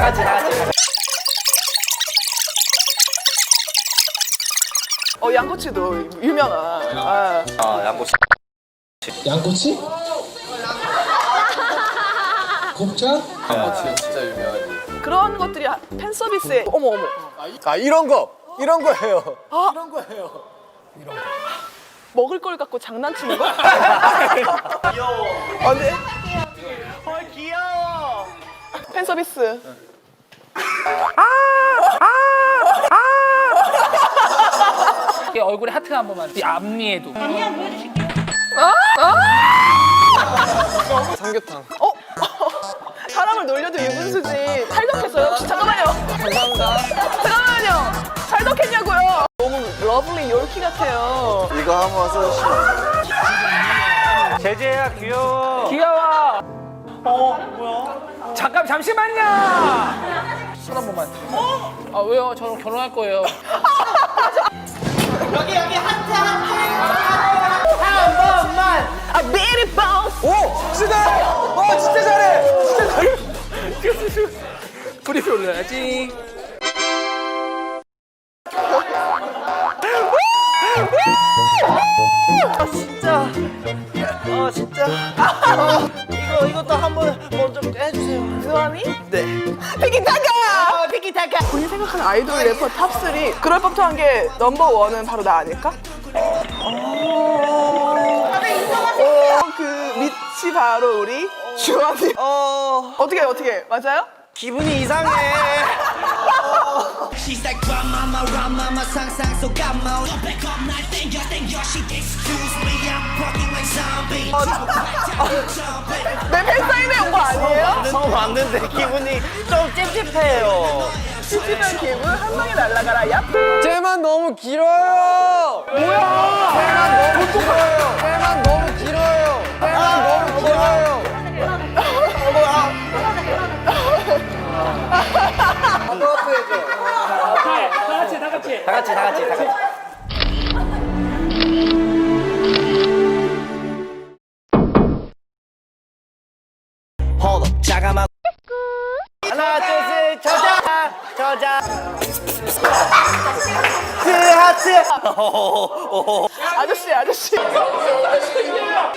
같이. 양꼬치도 유명한. 양꼬치. 양꼬치? 곱창? 양꼬치 진짜 유명하지. 그런 것들이 팬 서비스에 어머. 이런 거예요. 먹을 걸 갖고 장난치는 거? 귀여워. 네. 귀여워. 팬 서비스. 얼굴에 하트 한 번만. 이 앞니에도. 삼계탕. 사람을 놀려도 유분수지. 탈덕했어요? 혹시? 잠깐만요. 감사합니다. 잠깐만요. 탈덕했냐고요? 너무 러블리 요르키 같아요. 이거 한번 써주시면. 제재야 귀여워. 귀여워. 뭐야? 잠시만요. 손 한 번만. 아 왜요? 저는 결혼할 거예요. 여기 하트. 한 번만. 비리 바운스. 오! 진짜! 진짜 잘해! 진짜 잘해! 브리피 올려야지. 진짜. 이것도 한번 먼저 해주세요. 그거니? 네. 피키타카! 피키타카. 본인 생각하는 아이돌 래퍼 탑3 그럴 법한 게 넘버1은 바로 나 아닐까? 그 밑이 바로 우리 주원이. 어떻게 맞아요? 기분이 이상해. She's like run mama 상상 속 감마 Back up 날 땡겨 She excuse me I'm walking like zombie 내 팬사인회 온 거 아니에요? 처음 왔는데 기분이 좀 찝찝해요. 찝찝한 기분 한 방에 날아가라 얍. 쟤만 너무 길어요. 뭐야? 쟤만 너무 길어요. 쟤만 너무 길어요. 쟤만 너무 길어요. 다 같이. Hold up, 잠깐만. 하나, 둘, 셋, 저자. 하트. 아저씨.